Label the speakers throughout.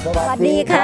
Speaker 1: สวัสดีค่ะ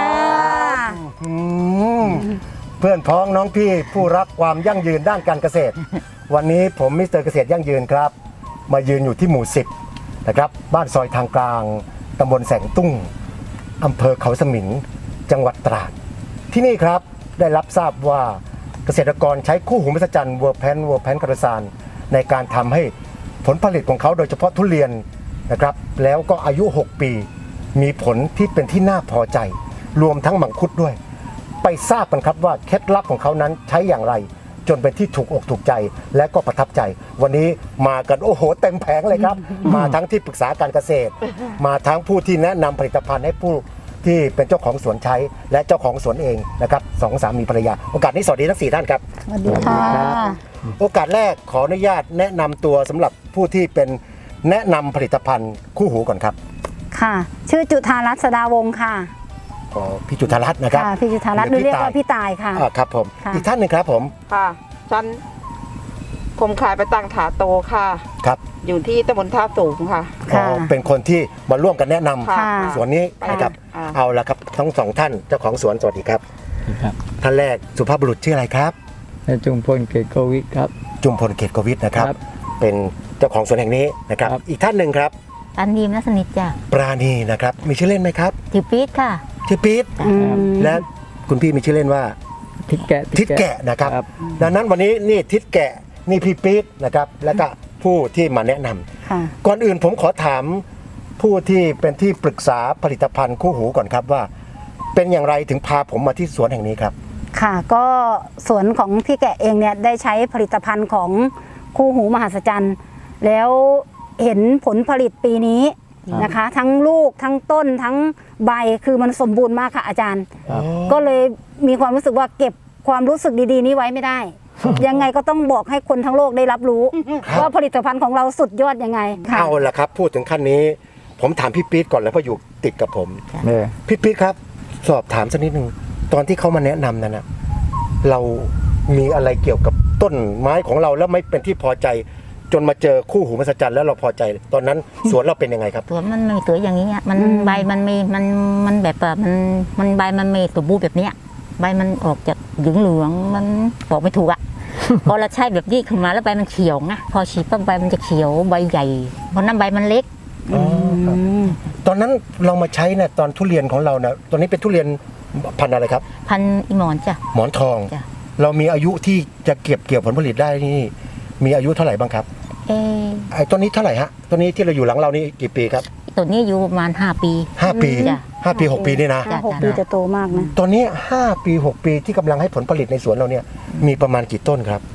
Speaker 1: เพื่อนพ้องน้องพี่ผู้รักความยั่งยืนด้านการเกษตร วันนี้ผมมิสเตอร์เกษตรยั่งยืนครับมายืนอยู่ที่หมู่ 10นะครับบ้านซอยทางกลางตำบลแสงตุ้งอำเภอเขาสมิงจังหวัดตราดที่นี่ครับได้รับทราบว่าเกษตรกรใช้คู่หูมหัศจรรย์เวอร์แพนคาร์ซานในการทำให้ผลผลิตของเขาโดยเฉพาะทุเรียนนะครับแล้วก็อายุ 6 ปีมีผลที่เป็นที่น่าพอใจรวมทั้งมังคุดด้วยไปทราบกันครับว่าเคล็ดลับของเขานั้นใช้อย่างไรจนเป็นที่ถูกอกถูกใจและก็ประทับใจวันนี้มากันโอ้โหเต็มแผงเลยครับ มาทั้งที่ปรึกษาการเกษตร มาทั้งผู้ที่แนะนำผลิตภัณฑ์ให้ผู้ที่เป็นเจ้าของสวนใช้และเจ้าของสวนเองนะครับสองสามีภรรยาโอกาสนี้สวัสดีทั้ง4ท่านครับ
Speaker 2: สวัสดีค่ะ
Speaker 1: โอกาสแรกขออนุญาตแนะนำตัวสำหรับผู้ที่เป็นแนะนำผลิตภัณฑ์คู่หูก่อนครับ
Speaker 2: ค่ะชื่อจุธารัตน์สดาวงศ์ค่ะ
Speaker 1: พี่จุธารัตน์นะครับ
Speaker 2: พี่จุธารัตน์เรียกว่าพี่ตายค่ะ
Speaker 1: ครับผมอีกท่านหนึ่งครับผม
Speaker 3: ค่ะฉันผมขายไปตั้งถาโตค่ะ
Speaker 1: ครับ
Speaker 3: อยู่ที่ตำบลท่าสูงค่ะ
Speaker 1: เป็นคนที่มาร่วมกันแนะนำสวนนี้นะครับเอาละครับทั้งสองท่านเจ้าของสวนสวัสดีครับท่านแรกสุภาพบุรุษชื่ออะไรครับ
Speaker 4: จุมพลเกตโกวิทครับ
Speaker 1: จุมพลเกตโกวิทนะครับเป็นเจ้าของสวนแห่งนี้นะครับอีกท่านหนึ่งครับ
Speaker 2: ปราณีนัสนิทจ้ะ
Speaker 1: ปราณีนะครับมีชื่อเล่นไหมครับ
Speaker 2: ชื่อปี๊ดค่ะ
Speaker 1: ชื่อปี๊ดและคุณพี่มีชื่อเล่นว่า
Speaker 4: ทิดแกะ
Speaker 1: นะครับดังนั้นวันนี้นี่ทิดแกะนี่พี่ปี๊ดนะครับแล้วก็ผู้ที่มาแนะนำก่อนอื่นผมขอถามผู้ที่เป็นที่ปรึกษาผลิตภัณฑ์คู่หูก่อนครับว่าเป็นอย่างไรถึงพาผมมาที่สวนแห่งนี้ครับ
Speaker 2: ค่ะก็สวนของพี่แกะเองเนี่ยได้ใช้ผลิตภัณฑ์ของคู่หูมหัศจรรย์แล้วเห็นผลผลิตปีนี้นะคะทั้งลูกทั้งต้นทั้งใบคือมันสมบูรณ์มากค่ะอาจารย์ก็เลยมีความรู้สึกว่าเก็บความรู้สึกดีๆนี้ไว้ไม่ได้ยังไงก็ต้องบอกให้คนทั้งโลกได้รับรู้ว่าผลิตภัณฑ์ของเราสุดยอดยังไง
Speaker 1: เอาละครับพูดถึงขั้นนี้ผมถามพี่ปี๊ดก่อนเลยเพราะอยู่ติดกับผมพี่ปี๊ดครับสอบถามสักนิดนึงตอนที่เขามาแนะนำนั้นนะเรามีอะไรเกี่ยวกับต้นไม้ของเราแล้วไม่เป็นที่พอใจจนมาเจอคู่หูมหัศจรรย์แล้วเราพอใจตอนนั้นสวนเราเป็นยังไงครับ
Speaker 2: สวนมันไม่สวยอย่างนี้มันใบมันมีมันแบบมันใบมันไม่สมบูรณ์แบบนี้ใบมันออกจากเหลืองมันบอกไม่ถูกพอเราใช้แบบนี้ขึ้นมาแล้วใบมันเขียวนะพอฉีดปั๊บใบมันจะเขียวใบใหญ่เพราะนั้นใบมันเล็ก
Speaker 1: ตอนนั้นเรามาใช้เนี่ยตอนทุเรียนของเราเนี่ยตอนนี้เป็นทุเรียนพันธุ์อะไรครับ
Speaker 2: พันธุ์อีหมอนจ้ะ
Speaker 1: หมอนทองเรามีอายุที่จะเก็บผลผลิตได้นี่มีอายุเท่าไหร่บ้างครับไอ้ต้นนี้เท่าไหร่ฮะต้นนี้ที่เราอยู่หลังเรานี่กี่ปีครับ
Speaker 2: ต้นนี้อยู่ประมาณ5 ปี
Speaker 1: 5 ปี5 ปี 6 ปีนี่นะ
Speaker 2: 6 ปีจะโตมากนะ
Speaker 1: ตอนนี้5 ปี 6 ปีที่กำลังให้ผลผลิตในสวนเราเนี่ยมีประมาณกี่ต้นครับ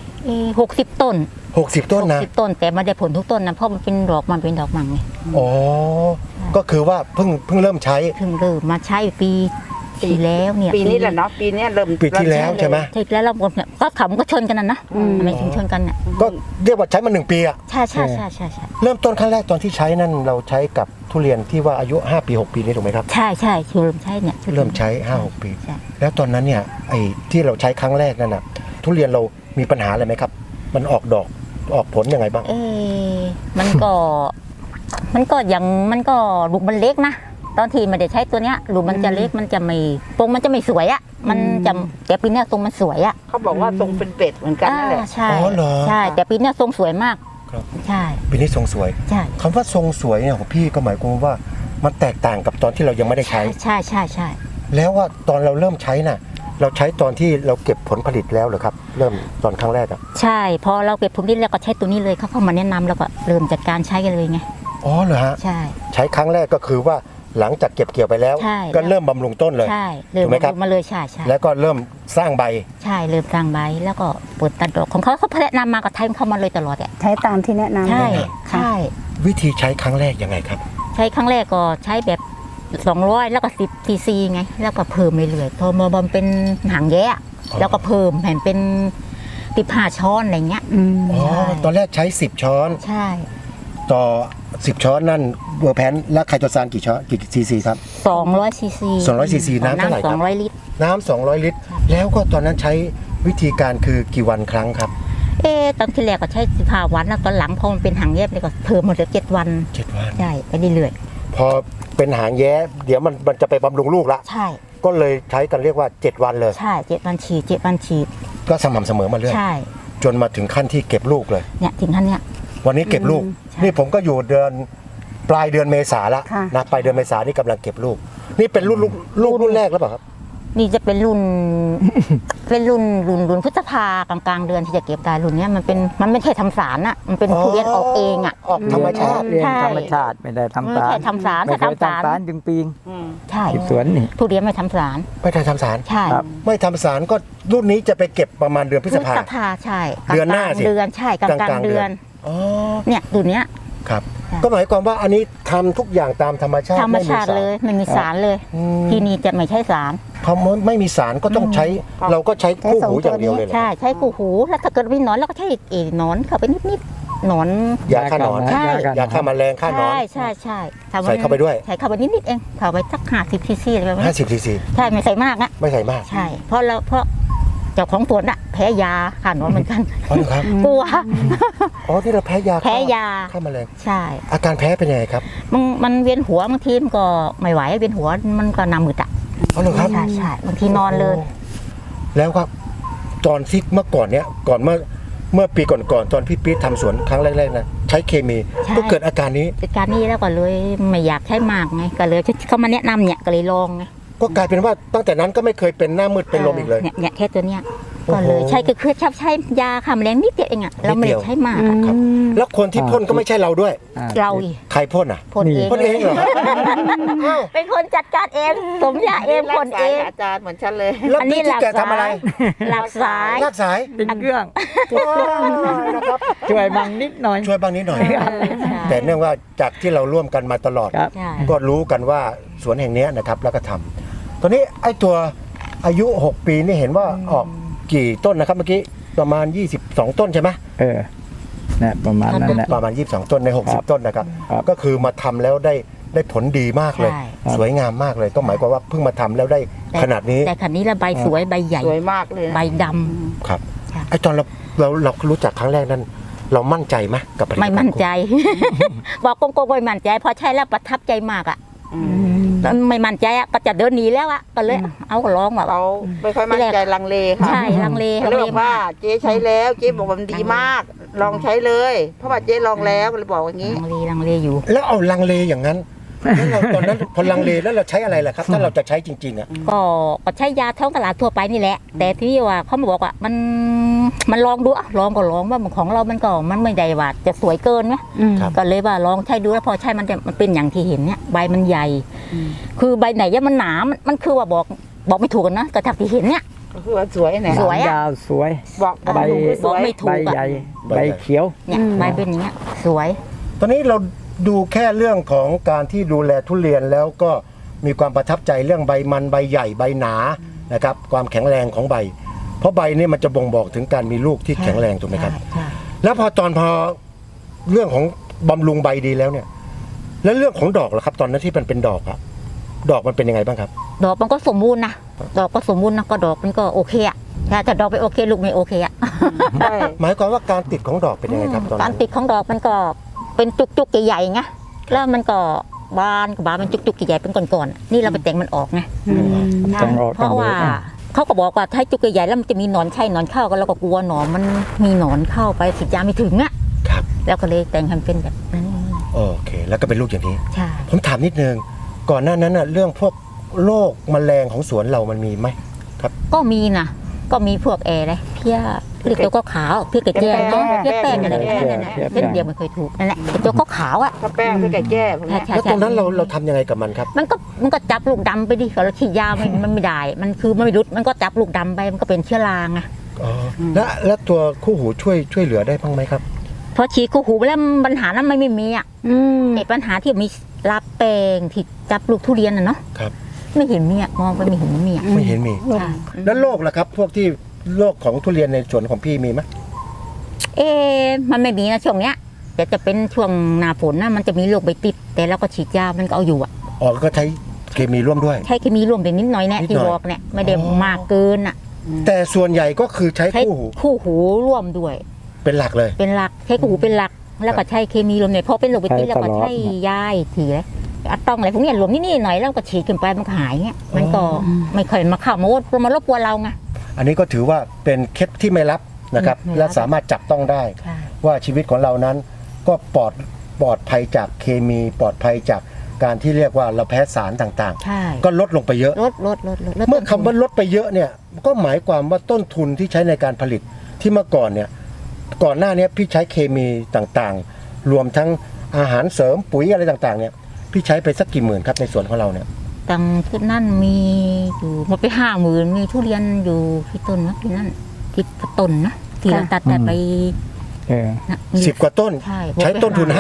Speaker 2: 60 ต้น
Speaker 1: 60 ต้นนะ
Speaker 2: 60 ต้นแต่ไม่ได้ผลทุกต้นนะเพราะมันเป็นดอกมันเป็นดอกมังไง
Speaker 1: อ๋อก็คือว่าเพิ่งเริ่มใช้
Speaker 2: มาใช้ปีแล้วเนี่ย
Speaker 3: ปีนี้แหละเนาะปีนี้เริ่ม
Speaker 1: ปีที่แล้วใช่ไหม
Speaker 2: ใช่แล้วเราเนี่ยก็ขำก็ชนกันนะไม่ถึงชนกันเนี่ย
Speaker 1: ก็เรียกว่าใช้มา1 ปีอ่ะ
Speaker 2: ใช่
Speaker 1: เริ่มต้นขั้นแรกตอนที่ใช้นั่นเราใช้กับทุเรียนที่ว่าอายุ5 ปี 6 ปีนี้ถูกไหมครับ
Speaker 2: ใช่เริ่มใช้เนี่ย
Speaker 1: เริ่มใช้5-6 ปีแล้วตอนนั้นเนี่ยไอ้ที่เราใช้ครั้งแรกนั่นน่ะทุเรียนเรามีปัญหาอะไรไหมครับมันออกดอกออกผลยังไงบ้าง
Speaker 2: มันก็ลูกมันเล็กนะตอนที่ไม่ได้ใช้ตัวเนี้ยลูกมันจะเล็กมันจะไม่ตรงมันจะไม่สวยมันจะแต่ปีนี้ทรงมันสวย
Speaker 3: เขาบอกว่าทรงเป็นเป็ดเหมือนกันนั่นแหละ
Speaker 2: ใช่แต่ปีนี้ทรงสวยมากใช่
Speaker 1: ปีนี้ทรงสวย
Speaker 2: ใช่
Speaker 1: คำว่าทรงสวยเนี่ยของพี่ก็หมายความว่ามันแตกต่างกับตอนที่เรายังไม่ได้ใช้
Speaker 2: ใช่
Speaker 1: แล้วว่าตอนเราเริ่มใช้น่ะเราใช้ตอนที่เราเก็บผลผลิตแล้วเหรอครับเริ่มตอนครั้งแรก
Speaker 2: ใช่พอเราเก็บผลผลิตแล้วก็ใช้ตัวนี้เลยเขาเข้ามาแนะนำแล้วก็เริ่มจัดการใช้กันเลยไง
Speaker 1: อ๋อเหรอฮะใช้ครั้งแรกก็คือว่าหลังจากเก็บเกี่ยวไปแล้วก็เริ่มบำรุงต้นเลย
Speaker 2: ถูกไหมครับมาเลยใช่
Speaker 1: แล้วก็เริ่มสร้างใบ
Speaker 2: ใช่เริ่มสร้างใบแล้วก็เปิดตัดดอกของเขาแนะนำมาก็ใช้เข้ามาเลยตลอดใช้ตามที่แนะนำใช่
Speaker 1: วิธีใช้ครั้งแรกยังไงครับ
Speaker 2: ใช้ครั้งแรกก็ใช้แบบ200แล้วก็10 cc ไงแล้วก็เพิ่มเรื่อยๆพอมาบำเป็นหางแย่แล้วก็เพิ่มแผ่นเป็น15 ช้อนอะไรเงี้ย
Speaker 1: ตอนแรกใช้10 ช้อน
Speaker 2: ใช่
Speaker 1: ต่อ10 ช้อนนั่นเวอร์แพนและไคโตซานกี่ช้อนกี่ซีซีครับ
Speaker 2: 200 ซีซี
Speaker 1: 200 ซีซีน้ำเท่าไหร่ครับ
Speaker 2: 200 ลิตร
Speaker 1: น้ำ200 ลิตรแล้วก็ตอนนั้นใช้วิธีการคือกี่วันครั้งครับ
Speaker 2: ตอนที่แรกก็ใช้15 วันแล้วตอนหลังพอมันเป็นหางแยบเลยก็เพิ่มมาเหลือ7 วันใช่ไปเรื่อยๆ
Speaker 1: พอเป็นหางแย้เดี๋ยวมันจะไปบำรุงลูกละ
Speaker 5: ใช่
Speaker 1: ก็เลยใช้กันเรียกว่า 7 วันเลย
Speaker 5: ใช่7 วันฉีด7 วันฉีด
Speaker 1: ก็สม่ำเสมอมาเรื่อย
Speaker 5: ใช่
Speaker 1: จนมาถึงขั้นที่เก็บลูกเลย
Speaker 5: เนี่ยถึงท่านเนี่ย
Speaker 1: วันนี้เก็บลูก
Speaker 5: ใช่
Speaker 1: นี่ผมก็อยู่เดือนปลายเดือนเมษาละ
Speaker 2: ค่ะ
Speaker 1: นะปลายเดือนเมษานี่กำลังเก็บลูก นี่เป็นรุ่นแรกแล้วเปล่าครับ
Speaker 5: นี่จะเป็นรุ่น เป็นรุ่นพฤษภากลางๆเดือนที่จะเก็บได้รุ่นเนี้ยมันไม่ใช่ทำสารอะมันเป็นทุเรียนออกเองอะ
Speaker 1: ออกธรรมชาติ
Speaker 4: เรียน
Speaker 5: ใช่
Speaker 4: ธรรมชาติไม่ได้ทำ
Speaker 5: ไม่
Speaker 4: สาร
Speaker 5: ใช่ทำสาร
Speaker 4: ไม่
Speaker 5: ถ้า
Speaker 4: เคย
Speaker 5: ทำสาร
Speaker 4: ทำสารจึงปีง
Speaker 5: ใช่
Speaker 4: ที่สวนนี่
Speaker 5: ทุเรียนไม่ทำสาร
Speaker 1: ไม่ได้ทำสาร
Speaker 5: ใช่
Speaker 4: ครับ
Speaker 1: ไม่ทำสารก็รุ่นนี้จะไปเก็บประมาณเดือนพฤษภา
Speaker 5: ใช่
Speaker 1: เดือนหน้าสิ
Speaker 5: เดือนใช่กลางๆเดือน
Speaker 1: อ๋อ
Speaker 5: เนี่ยรุ่นเนี้ย
Speaker 1: ครับ
Speaker 5: ค่ะ
Speaker 1: ก็หมายความว่าอันนี้ทำทุกอย่างตามธรรมชาติ
Speaker 5: ธรรมชาติเลยไม่มีสารเลย
Speaker 1: อืม
Speaker 5: ที่นี่จะไม่ใช่สาร
Speaker 1: พอไม่มีสารก็ต้องใช้ เราก็ใช้คู่หูอย่างเดียวเลยเหรอ
Speaker 5: ใช่ใช้กูหูแล้วถ้าเกิดมีหนอนเราก็ใช้หนอนเข้าไปนิดๆหนอน
Speaker 1: ยาฆ่าหนอน
Speaker 5: ใช่
Speaker 1: ยาฆ่าแมลงฆ่าหนอน
Speaker 5: ใช่ทำ
Speaker 1: ใส่เข้าไปด้วย
Speaker 5: ใส่เข้าไปนิดๆเองเข้าไปสัก50 cc อะไรแบบนี้
Speaker 1: 50 cc
Speaker 5: ใช่ไม่ใส่มากนะ
Speaker 1: ไม่ใส่มาก
Speaker 5: ใช่เพราะเจ้าของสวนอะแพ้ยาฆ่าหนอนเหมือนกัน
Speaker 1: อ๋อเหรอครับ
Speaker 5: กลัว
Speaker 1: อ๋อที่เราแพ้ยา
Speaker 5: แพ้ยา
Speaker 1: ฆ่าแมลง
Speaker 5: ใช่
Speaker 1: อาการแพ้เป็นยังไงครับ
Speaker 5: มันเวียนหัวบางทีมันก็ไม่ไหวเวียนหัวมันก็หน้ามืดอะ
Speaker 1: อ๋อเหรอครับ
Speaker 5: ใช่บางทีนอนเลย
Speaker 1: แล้วครับตอนที่เมื่อก่อนเนี้ยก่อนเมื่อปีก่อนๆตอนพี่ปี๊ดทำสวนครั้งแรกๆนะใช้เคมี
Speaker 5: ใช่
Speaker 1: ก็เกิดอาการนี้
Speaker 5: จัดการนี้แล้วก็เลยไม่อยากใช้มากไงก็เลยเขามาแนะนำเนี่ยก็เลยลองไง
Speaker 1: ก็กลายเป็นว่าตั้งแต่นั้นก็ไม่เคยเป็นหน้ามืดเป็นลมอีกเลย
Speaker 5: เนี่ยแค่ตัวเนี้ย
Speaker 1: โอ้โห
Speaker 5: ก็เลยใช้ก็คือชอบใช้ยาฆ่าแมลงนิดเดียวเองอะเราไม่
Speaker 1: นิดเดี
Speaker 5: ได้
Speaker 1: ยว
Speaker 5: ใช้มากอะ
Speaker 1: ครับ แล้วคนที่พ่นก็ไม่ใช่เราด้วย
Speaker 5: เราอีก
Speaker 1: ใครพ่นอ่ะ
Speaker 5: พ่นเอง
Speaker 1: พ่นเองเหรออ้าว
Speaker 5: เป็นคนจัดการเองสมยาเองพ่นเอง
Speaker 3: อาจารย์เหมือนฉันเลย
Speaker 1: แล้ว
Speaker 5: อันนี้
Speaker 1: พี่ที่แกทำอะไร
Speaker 5: หลักสาย
Speaker 1: ลากสาย
Speaker 4: เป็นเครื่อง
Speaker 1: นะครับ
Speaker 4: ช่วยบังนิดหน่อย
Speaker 1: ช่วยบ้างนิดหน่อย
Speaker 5: ใช่
Speaker 1: แต่เนื่องว่าจากที่เราร่วมกันมาตลอด
Speaker 4: ครับ
Speaker 5: ใช่
Speaker 1: ก็รู้กันว่าสวนแห่งเนี้ยนะครับแล้วก็ทำตอนนี้ไอ้ตัวอายุ 6 ปีนี่เห็นว่าออกกี่ต้นนะครับเมื่อกี้ประมาณ 22 ต้นใช่ไหม
Speaker 4: เออนะประมาณนั้นแหละ
Speaker 1: ประมาณ 22 ต้นใน
Speaker 4: ครับ
Speaker 1: 60 ต้นนะครับ
Speaker 4: ครับ
Speaker 1: ก็คือมาทำแล้วได้ผลดีมากเลย
Speaker 5: ใช่
Speaker 1: สวยงามมากเลย ก็หมายความว่าเพิ่งมาทำแล้วได้ขนาดนี้
Speaker 5: แต่ขันนี้ละใบสวยใบใหญ่
Speaker 3: สวยมากเลยนะ
Speaker 5: ใบดำ
Speaker 1: ครับ
Speaker 5: ค่ะ
Speaker 1: ไอ้ตอนเรารู้จักครั้งแรกนั้น เรามั่นใจไหมกับผลิตภัณฑ์
Speaker 5: ไม่มั่นใจ บอกโกงๆไม่มั่นใจพอใช้แล้วประทับใจมากอะแล้วไม่มั่นใจอะก็จะเดินหนีแล้วอะก็เลยเอาลองแบบ
Speaker 3: เราไม่ค่อยมั่นใจลังเลค่ะ
Speaker 5: ใช่ลังเล
Speaker 3: เขาเลยบอกว่าเจ๊ใช้แล้วเจ๊บอกว่ามันดีมาก ลองใช้เลย เพราะว่าเจ๊ลองแล้วก็เลยบอกอย่างนี้
Speaker 5: ลังเลอยู่
Speaker 1: แล้วเอาลังเลอย่างนั้นแล้วเราตอนนั้นพอลังเลแล้วเราใช้อะไรล่ะครับ ถ้าเราจะใช้จริงๆอ่ะ
Speaker 5: ก็ใช้ยาท้องตลาดทั่วไปนี่แหละ แต่ที่ว่าเขามาบอกว่ามันลองดูอะลองก็ลองว่าของเรามันไม่ได้ว่าจะสวยเกินไหม
Speaker 1: ครับ
Speaker 5: ก็เลยว่าลองใช้ดูแล้วพอใช้มันเป็นอย่างที่เห็นเนี่ยใบมันใหญ่ คือใบไหนเนี่ยมันหนามันคือว่าบอกไม่ถูกกันนะกระทับที่เห็นเนี่ย
Speaker 3: ก็คือว่าสวยเนี่ย
Speaker 5: สวยอะ
Speaker 4: ยาวสวย
Speaker 3: บอก
Speaker 4: ใบ
Speaker 3: สวย
Speaker 5: ไม่ถู
Speaker 4: ใบ
Speaker 5: กอะ
Speaker 4: ใหญ่ใบเขียว
Speaker 5: เนี่ยใบเป็นอย่างเงี้ยสวย
Speaker 1: ตอนนี้เราดูแค่เรื่องของการที่ดูแลทุเรียนแล้วก็มีความประทับใจเรื่องใบมันใบใหญ่ใบหนานะครับความแข็งแรงของใบ เพราะใบนี่มันจะบ่งบอกถึงการมีลูกที่แข็งแรงถูกไหมครับ
Speaker 5: ใช่
Speaker 1: แล้วพอเรื่องของบำรุงใบดีแล้วเนี่ย แล้วเรื่องของดอกล่ะครับ ตอนนั้นที่มันเป็นดอกอะดอกมันเป็นยังไงบ้างครับ
Speaker 5: ดอกมันก็สมบูรณ์นะดอกก็สมบูรณ์นะก็ดอกมันก็โอเคอะแต่ดอกไม่โอเคลูกไม่โอเคอะ
Speaker 3: ใช่
Speaker 1: หมายความว่าการติดของดอกเป็นยังไงครับตอน
Speaker 5: กา
Speaker 1: นั้
Speaker 5: ร
Speaker 1: น
Speaker 5: ติดของดอกมันก็เป็นจุกๆใหญ่ๆไงแล้วมันก็บานมันจุกๆใหญ่ๆเป็นก้อนๆนี่เราไปแต่งมันออกไง
Speaker 4: ต้องออก
Speaker 5: เพราะว่าเขาก็บอกว่าถ้าจุกใหญ่ๆแล้วมันจะมีหนอนไข่หนอนเข้ากันเราก็กลัวหนอนมันมีหนอนเข้าไปฉีดยาไม่ถึงอ่ะ
Speaker 1: ครับ
Speaker 5: แล้วก็เลยแต่งให้มันเป็นแบบนั้น
Speaker 1: โอเค แล้วก็เป็นลูกอย่างนี้
Speaker 5: ใช่
Speaker 1: ผมถามนิดนึงก่อนหน้านั้นน่ะเรื่องพวกโรคแมลงของสวนเรามันมีไหม
Speaker 5: ก็มีนะก็มีพวกอะไรเพี้ยเรียกตัวก็ขาวเพี้ยกระเจี๊ยบเพี้ยแป้งอะไรเป็นเดียวไม่เคยถูกนั่นแหละตัวก็ขาวอ่ะ
Speaker 3: ถ้าแป้งพี่ไก่แก้พวกเนี้ย
Speaker 5: ใช่
Speaker 1: แล้วตรงนั้นเราทำยังไงกับมันครับ
Speaker 5: มันก็จับลูกดำไปดิเราฉีดยามันไม่ได้ มันคือมันไม่รุดมันก็จับลูกดำไปมันก็เป็นเชื้อราไง
Speaker 1: อ๋อแล้วตัวคู่หูช่วยเหลือได้บ้างไหมครับ
Speaker 5: พอฉีดกูหูไปแล้วปัญหานั้นไม่มีอ่ะไอ้ปัญหาที่มีลาแปลงที่จับลูกทุเรียนน่ะเนาะ
Speaker 1: ครับ
Speaker 5: ไม่เห็นมีอ่ะมองไปไม่เห็นมีอ่ะ
Speaker 1: ไม่เห็นมี
Speaker 5: ใช่
Speaker 1: แล้วโรคล่ะครับ พวกที่โรคของทุเรียนในสวนของพี่มีไหม
Speaker 5: มันไม่มีนะช่วงเนี้ยแต่จะเป็นช่วงหน้าฝนนะมันจะมีโรคใบติด แต่เราก็ฉีดยามันก็เอาอยู่อ่ะ
Speaker 1: อ๋อก็ใช้เคมีร่วมด้วย
Speaker 5: ใช้เคมีรวมไปนิดหน่อยแน่
Speaker 1: นิดหน่
Speaker 5: ที่
Speaker 1: อย
Speaker 5: บอกเนี่ยไม่ได้มากเกินอ่ะ
Speaker 1: แต่ส่วนใหญ่ก็คือใช้
Speaker 5: ใช้
Speaker 1: คู่หู
Speaker 5: คู่หูร่วมด้วย
Speaker 1: เป็นหลักเลย
Speaker 5: เป็นหลักใช้คู่หูเป็นหลัก แล้วก็ใช้เคมีรวมเนี่ยพอเป็นโรคใบติดแล้วก็ใช้ยาอีกทีเลยอะตองอะไรพวกเนี้ยรวมนี่หน่อยแล้วก็ฉีดขึ้นไปมันก็หายเงี้ยมันก็ไม่ค่อยมาเข้ามารบกวนเราไง
Speaker 1: อันนี้ก็ถือว่าเป็นเคสที่ไม่รับนะครับ
Speaker 5: ไม่รับ
Speaker 1: และสามารถจับต้องได้
Speaker 5: ใช่
Speaker 1: ว่าชีวิตของเรานั้นก็ปลอดภัยจากเคมีปลอดภัยจากการที่เรียกว่าเราแพ้สารต่าง
Speaker 5: ใช่
Speaker 1: ๆ ก็ลดลงไปเยอะ
Speaker 5: ลด
Speaker 1: เมื่อคำว่าลดไปเยอะเนี่ยก็หมายความว่าต้นทุนที่ใช้ในการผลิตที่เมื่อก่อนเนี่ยก่อนหน้านี้พี่ใช้เคมีต่างๆ รวมทั้งอาหารเสริมปุ๋ยอะไรต่างๆเนี่ยพี่ใช้ไปสักกี่หมื่นครับในสวนของเราเนี่ย
Speaker 5: ตังที่นั่นมีอยู่หมดไป50,000มีทุเรียนอยู่ที่ต้นนะที่นั่นที่ต้นนะที่เราตัดไป
Speaker 4: เออ
Speaker 5: นะมี
Speaker 1: 10 กว่าต้น
Speaker 5: ใช่
Speaker 1: ใช้ต้นทุน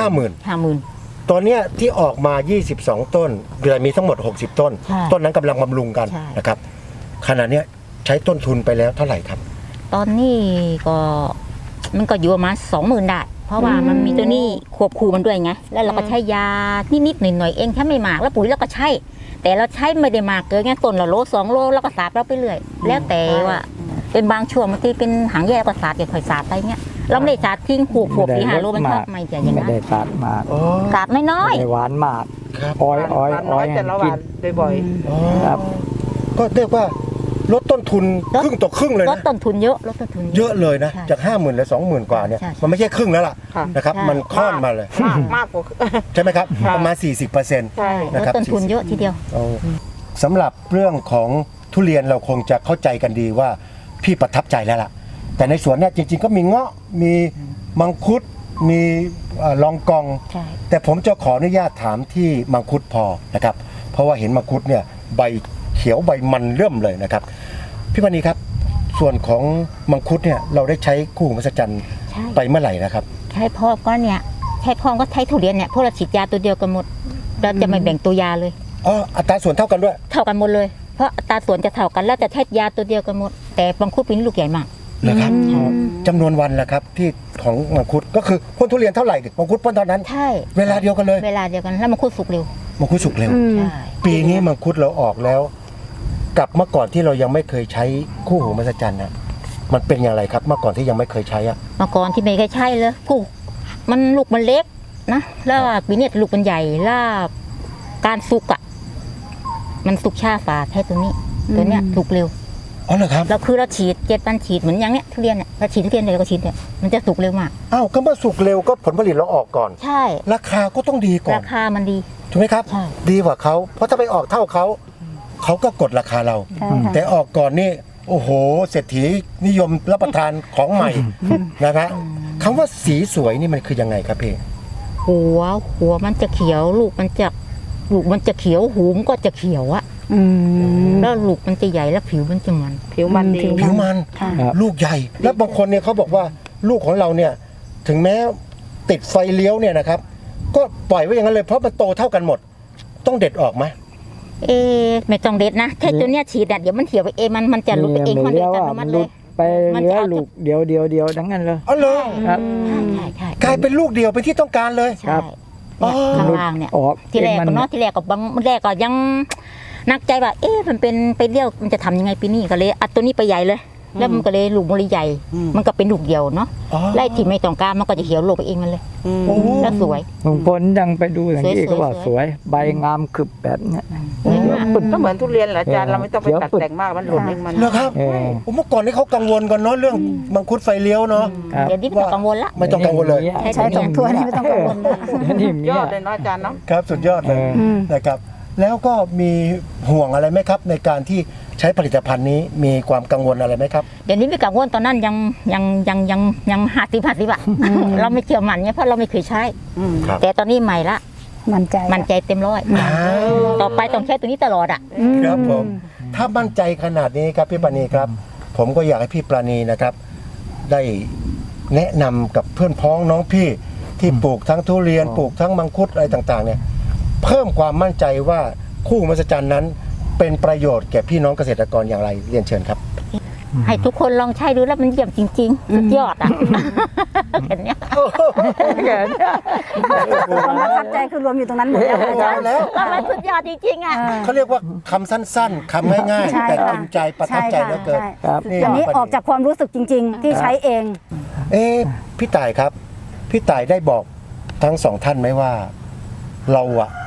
Speaker 5: 50,000
Speaker 1: ตอนเนี้ยที่ออกมา 22 ต้นเดือนมีทั้งหมด 60 ต้น
Speaker 5: ใช่
Speaker 1: ต้นนั้นกำลังบำรุงกัน
Speaker 5: ใช่
Speaker 1: นะครับขณะเนี้ยใช้ต้นทุนไปแล้วเท่าไหร่ครับ
Speaker 5: ตอนนี้ก็มันก็อยู่ประมาณ20,000ได้เพราะว่ามันมีตัวนี้ควบคู่มันด้วยไงแล้วเราก็ใช้ยานิดๆหน่อยๆเองแค่ไม่มากแล้วปุ๋ยเราก็ใช้แต่เราใช้ไม่ได้มากเกินไงต้นละโล2 โลแล้วก็สาดเราไปเรื่อยแล้วแต่ว่าเป็นบางช่วงบางทีเป็นหางแย่ก็สาดอย่าค่อยสาดไปเงี้ยเราไม่ได้สาดทิ้งขวบ4-5 โลมันชอบไม่จะอย่าง
Speaker 4: ไม่
Speaker 5: นั้น
Speaker 4: ได้ตัดมาก
Speaker 5: สาดน้อย
Speaker 4: ไม่ได้หวานมาก
Speaker 1: ครับ
Speaker 4: อ้อย
Speaker 3: หวานน้อยแต่ละห
Speaker 4: กิ
Speaker 3: วานบ่อย
Speaker 4: ครับ
Speaker 1: ก็เรียกว่าลดต้นทุนครึ่งต่อครึ่งเลย
Speaker 5: ๆลด
Speaker 1: นะ
Speaker 5: ต้นทุนเยอะลดต้นทุน
Speaker 1: เยอะเลยนะ
Speaker 5: ใช่
Speaker 1: จาก 50,000เหลือ 20,000 กว่าเนี่ย
Speaker 5: ใช่
Speaker 1: มันไม่ใช่ครึ่งแล้วล่ะ
Speaker 3: ค่ะ
Speaker 1: นะครับ
Speaker 5: ใช่
Speaker 1: มันค่อนมาเลย
Speaker 3: มากกว่า
Speaker 1: ใช่ไหมครับ
Speaker 3: ค่ะ
Speaker 1: ประมาณ 40%
Speaker 3: ใช่
Speaker 5: ล
Speaker 1: นะ
Speaker 5: ด
Speaker 1: ครับ
Speaker 5: ต้นทุนเยอะทีเดียว
Speaker 1: สำหรับเรื่องของทุเรียนเราคงจะเข้าใจกันดีว่าพี่ประทับใจแล้วล่ะ แต่ในสวนเนี่ยจริงๆก็มีเงาะมีมังคุดมีลองกอง
Speaker 5: ใช่
Speaker 1: แต่ผมจะขออนุญาตถามที่มังคุดพอนะครับ เพราะว่าเห็นมังคุดเนี่ยใบเขียวใบมันเริ่มเลยนะครับ พี่ปณีครับ ส่วนของมังคุดเนี่ยเราได้ใช้คู่หูมหัศจรรย์
Speaker 5: ใช่
Speaker 1: ไปเมื่อไหร่นะครับ
Speaker 5: ใช่พ่อก็เนี่ยใช่พ่อก็ใช้ทุเรียนเนี่ยพวกเราฉีดยาตัวเดียวกันหมดเราจะไม่แบ่งตัวยาเลย
Speaker 1: อ๋ออัตราส่วนเท่ากันด้วย
Speaker 5: เท่ากันหมดเลย เพราะอัตราส่วนจะเท่ากันแล้วจะใช้ยาตัวเดียวกันหมด แต่มังคุดปีนี้ลูกใหญ่มาก
Speaker 1: นะครับจำนวนวันละครับที่ของมังคุดก็คือพ่นทุเรียนเท่าไหร่มังคุดพ่นเท่านั้น
Speaker 5: ใช่
Speaker 1: เวลาเดียวกันเลย
Speaker 5: เวลาเดียวกันแล้วมังคุดสุกเร็ว
Speaker 1: มังคุดสุกเร็ว
Speaker 5: ใช่
Speaker 1: ปีนี้มังคุดเราออกแล้ว กับเมื่อก่อนที่เรายังไม่เคยใช้คู่หูมหัศจรรย์นะมันเป็นอย่างไรครับเมื่อก่อนที่ยังไม่เคยใช้อะ
Speaker 5: เมื่อก่อนที่ไม่เคยใช่เลยกูมันลูกมันเล็กนะแล้วปีนี้ลูกมันใหญ่แล้วการสุกอ่ะมันสุกช้าฝ่าแค่ตัวนี้ ตัวเนี้ยสุกเร็ว
Speaker 1: อ๋อเหรอครับ
Speaker 5: เราคือเราฉีด7 วันฉีดเหมือนอย่างเนี้ยทุเรียนเนี่ยเราฉีดทุเรียนเดียวก็ฉีดเนี่ยมันจะสุกเร็วมาก
Speaker 1: อ้าวก็เมื่อสุกเร็วก็ผลผลิตเราออกก่อน
Speaker 5: ใช่
Speaker 1: ราคาก็ต้องดีก่อ
Speaker 5: ราน คามันดี
Speaker 1: ถูกไหมครับ
Speaker 5: ใช่
Speaker 1: ดีกว่าเขาเพราะถ้าไปออกเท่าเขาเขาก็กดราคาเรา
Speaker 2: ใช่ค่ะ
Speaker 1: แต่ออกก่อนนี่โอ้โหเศรษฐีนิยมรับประทานของใหม่นะฮะคำว่าสีสวยนี่มันคือยังไงครับพี่
Speaker 5: หัวมันจะเขียวลูกมันจะเขียวหูมนก็จะเขียวอะ
Speaker 2: อืม
Speaker 5: แล้วลูกมันจะใหญ่แล้วผิวมันจะมัน
Speaker 3: ผิวมันดี
Speaker 1: ผิวมัน
Speaker 2: ค่ะ
Speaker 4: ครับ
Speaker 1: ลูกใหญ่ แล้วบางคนเนี่ยเขาบอกว่าลูกของเราเนี่ยถึงแม้ติดไฟเลี้ยวเนี่ยนะครับ ก็ปล่อยไว้อย่างนั้นเลยเพราะมันโตเท่ากันหมด ต้องเด็ดออกไหม
Speaker 5: ไม่ต้องเด็ดนะแค่ตัวเนี้ยฉีดอะเดี๋ยวมันเขียวไปเองมันจะหลุดไปเองคนเดียวอัตโนมัติเลย
Speaker 4: ไป
Speaker 5: มัน
Speaker 4: เหลื
Speaker 5: จะ
Speaker 4: อ
Speaker 5: เอา
Speaker 4: ลูกเดียวทั้งนั้นเลย
Speaker 1: อ๋อเหรอ
Speaker 4: ครับ
Speaker 5: ใช่
Speaker 1: กลายเป็นลูกเดียวเป็นที่ต้องการเลย
Speaker 4: ครั
Speaker 5: ใช่
Speaker 4: บ
Speaker 5: เนี่ยข้างล่างเนี่ย
Speaker 4: ออก
Speaker 5: ที่แรก
Speaker 4: มั
Speaker 5: ก็เนาะที่แรกก็บางแรกก็ยังนักใจว่ามันเป็นไปเลี้ยวมันจะทำยังไงปีนี้ก็เลยอัดตัวนี้ไปใหญ่เลย แล้วมันก็เลยลูกมันเลยใหญ่ มันก็เป็นลูกเดียวเนาะ
Speaker 1: อ๋อ
Speaker 5: ไล่ที่ไม่ต้องการมันก็จะเขียวลงไปเองมันเลย
Speaker 1: โอ้
Speaker 5: แล้วสวย
Speaker 4: บางคนยังไปดูอย่างนี้
Speaker 5: สวยๆ
Speaker 4: ก็ว่าสวย ใบงามคึบแบบเนี้ย
Speaker 5: สวยมาก
Speaker 3: ก็เหมือนทุเรียนแหละอาจารย์เราไม่ต้องไป
Speaker 4: เดี๋ยว
Speaker 3: ตัด
Speaker 4: ฝึก
Speaker 3: แต่งมากมันหล่นเองมัน
Speaker 1: เหรอครับ
Speaker 4: เออ
Speaker 1: โอ้เมื่อก่อนนี่เขากังวลกันเนาะเรื่องมังคุดไฟเลี้ยวเนาะ
Speaker 4: ครับ
Speaker 5: เดี๋ยวนี้ไม่ต้องกังวลละ
Speaker 1: ไม่ต้องกังวลเลย
Speaker 2: ใช้สองถ้วยนี่ไม่ต้องกังวลนะ
Speaker 4: เดี๋ยวนี้มี
Speaker 3: ยอดเลยเนาะอาจารย์เนาะ
Speaker 1: ครับสุดยอดเลย
Speaker 2: อืม
Speaker 1: นะครับ แล้วก็มีห่วงอะไรไหมครับ ในการที่ใช้ผลิตภัณฑ์นี้มีความกังวลอะไรไหมครับ
Speaker 5: เดี๋ยวนี้ไม่กังวลตอนนั้นยัง50 อะเราไม่เชื่อมันไงเพราะเราไม่เคยใช้
Speaker 1: ครับ
Speaker 5: แต่ตอนนี้ใหม่ละ
Speaker 2: มั่นใจ
Speaker 5: มันใจเต็มร้อยต่อไปต้องใช้ตัวนี้ตลอดอะ
Speaker 1: ครับผมถ้ามั่นใจขนาดนี้ครับพี่ปราณีครับ ผมก็อยากให้พี่ปราณีนะครับ ได้แนะนำกับเพื่อนพ้องน้องพี่ที่ปลูกทั้งทุเรียนปลูกทั้งมังคุดอะไรต่างๆเนี่ยเพิ่มความมั่นใจว่าคู่มหัศจรรย์นั้น เป็นประโยชน์แก่พี่น้องเกษตรกรอย่างไรเรียนเชิญครับ
Speaker 5: ให้ทุกคนลองใช้ดูแล้วมันเยี่ยมจริงๆสุดยอดอะเห็นเนี้ย
Speaker 2: ความประทับใจคือรวมอยู่ตรงนั้นหมดแล้วอาจารย์
Speaker 1: แล้ว
Speaker 5: ก็มันสุดยอดจริงๆอะ
Speaker 1: เขาเรียกว่าคำสั้นๆคำง่าย
Speaker 2: ใช่
Speaker 1: ๆ แต่
Speaker 2: ค่ะ
Speaker 1: กินใจประทับใจเหลือเกิน
Speaker 2: ใช่
Speaker 4: ครับ
Speaker 1: นี่
Speaker 2: อันนี้ออกจากความรู้สึกจริง ๆ ที่ใช้เอง
Speaker 1: พี่ต่ายครับ พี่ต่ายได้บอกทั้งสองท่านไหมว่า เราอะ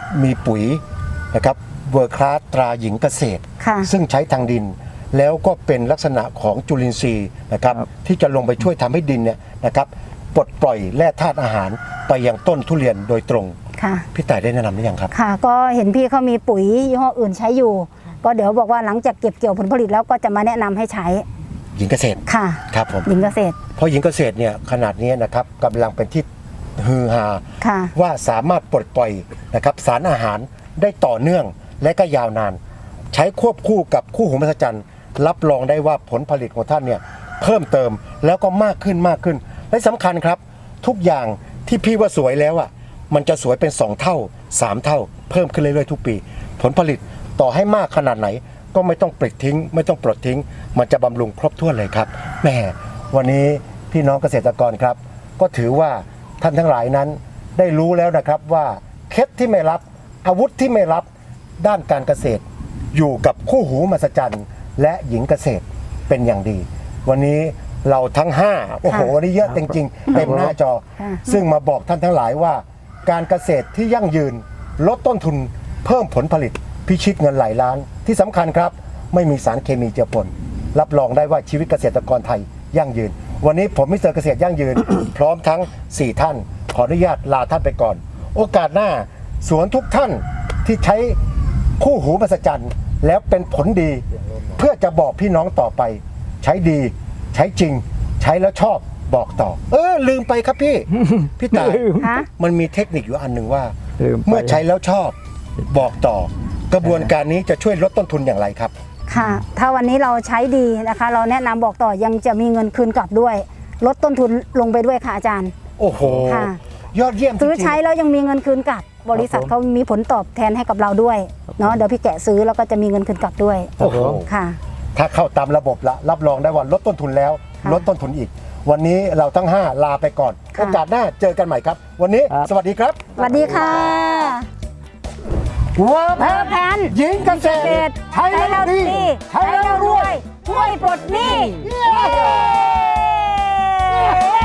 Speaker 1: มีปุ๋ยนะครับเวอร์คลาสตราหญิงเกษตร
Speaker 2: ค่ะ
Speaker 1: ซึ่งใช้ทางดิน แล้วก็เป็นลักษณะของจุลินทรีย์นะครับที่จะลงไปช่วยทำให้ดินเนี่ยนะครับปลดปล่อยแร่ธาตุอาหารไปยังต้นทุเรียนโดยตรง
Speaker 2: ค่ะ
Speaker 1: พี่ต่ายได้แนะนำหรือยังครับ
Speaker 2: ค่ะ ก็เห็นพี่เขามีปุ๋ยยี่ห้ออื่นใช้อยู่ ก็เดี๋ยวบอกว่าหลังจากเก็บเกี่ยวผลผลิตแล้วก็จะมาแนะนำให้ใช้
Speaker 1: หญิงเกษตร
Speaker 2: ค่ะ
Speaker 1: ครับผม
Speaker 2: หญิงเกษตร
Speaker 1: เพราะหญิงเกษตรเนี่ยขนาดนี้นะครับกำลังเป็นที่ฮือฮา
Speaker 2: ค่ะ
Speaker 1: ว่าสามารถปลดปล่อยนะครับสารอาหารได้ต่อเนื่องและก็ยาวนาน ใช้ควบคู่กับคู่หูมหัศจรรย์รับรองได้ว่าผลผลิตของท่านเนี่ยเพิ่มเติมแล้วก็มากขึ้นมากขึ้น และสำคัญครับ ทุกอย่างที่พี่ว่าสวยแล้วอ่ะมันจะสวยเป็น 2 เท่า 3 เท่า เพิ่มขึ้นเรื่อยๆทุกปี ผลผลิตต่อให้มากขนาดไหน ก็ไม่ต้องปลิดทิ้ง ไม่ต้องปลดทิ้ง มันจะบำรุงครบถ้วนเลยครับแหมวันนี้พี่น้องเกษตรกรครับ ก็ถือว่าท่านทั้งหลายนั้นได้รู้แล้วนะครับว่าเคล็ดที่ไม่รับอาวุธที่ไม่รับด้านการเกษตร อยู่กับคู่หูมหัศจรรย์และหญิงเกษตรเป็นอย่างดี วันนี้เราทั้ง5โอ้โหวันนี้เยอะจริงๆเต็มหน้าจอ
Speaker 2: ค่ะ
Speaker 1: ซึ่งมาบอกท่านทั้งหลายว่า การเกษตรที่ยั่งยืนลดต้นทุนเพิ่มผลผลิตพิชิตเงินหลายล้าน ที่สำคัญครับ ไม่มีสารเคมีเจือปนรับรองได้ว่าชีวิตเกษตรกรไทยยั่งยืน วันนี้ผมมิสเตอร์เกษตรยั่งยืน พร้อมทั้ง 4 ท่าน ขออนุญาตลาท่านไปก่อน โอกาสหน้าสวนทุกท่านที่ใช้คู่หูมหัศจรรย์แล้วเป็นผลดี เพื่อจะบอกพี่น้องต่อไป ใช้ดี ใช้จริง ใช้แล้วชอบบอกต่อ ลืมไปครับพี่ พี่ตาย
Speaker 2: ฮะ
Speaker 1: มันมีเทคนิคอยู่อันหนึ่งว่า
Speaker 4: ลืมไป
Speaker 1: เมื่อใช้แล้วชอบบอกต่อ กระบวนการนี้จะช่วยลดต้นทุนอย่างไรครับ
Speaker 2: ค่ะ ถ้าวันนี้เราใช้ดีนะคะ เราแนะนำบอกต่อยังจะมีเงินคืนกลับด้วย ลดต้นทุนลงไปด้วยค่ะอาจารย์
Speaker 1: โอ้โห
Speaker 2: ค่ะ
Speaker 1: ยอดเยี่ยมจริงๆ
Speaker 2: ซื้อใช้แล้วยังมีเงินคืนกลับ บริษัทเขามีผลตอบแทนให้กับเราด้วยเนาะเดี๋ยวพี่แกะซื้อแล้วก็จะมีเงินคืนกลับด้วย
Speaker 1: โอ้โห
Speaker 2: ค่ะ
Speaker 1: ถ้าเข้าตามระบบละรับรองได้ว่าลดต้นทุนแล้ว
Speaker 2: ค่ะ
Speaker 1: ลดต้นทุนอีก วันนี้เราทั้ง 5 ลาไปก่อน
Speaker 2: ค่ะ
Speaker 1: โอกาสหน้าเจอกันใหม่ครับ วันนี้
Speaker 4: ครับ
Speaker 1: สวัสดีครับ
Speaker 2: สวัสดีค่ะ
Speaker 1: เวิร์
Speaker 2: เพิ่มแพน
Speaker 1: หญิงเกษ
Speaker 2: เก
Speaker 1: ต
Speaker 2: ษ
Speaker 1: ร
Speaker 2: ตร
Speaker 1: ใช้แล้วดี ใช้แล้วรวย
Speaker 2: ช่วยปลดหนี้
Speaker 1: เย้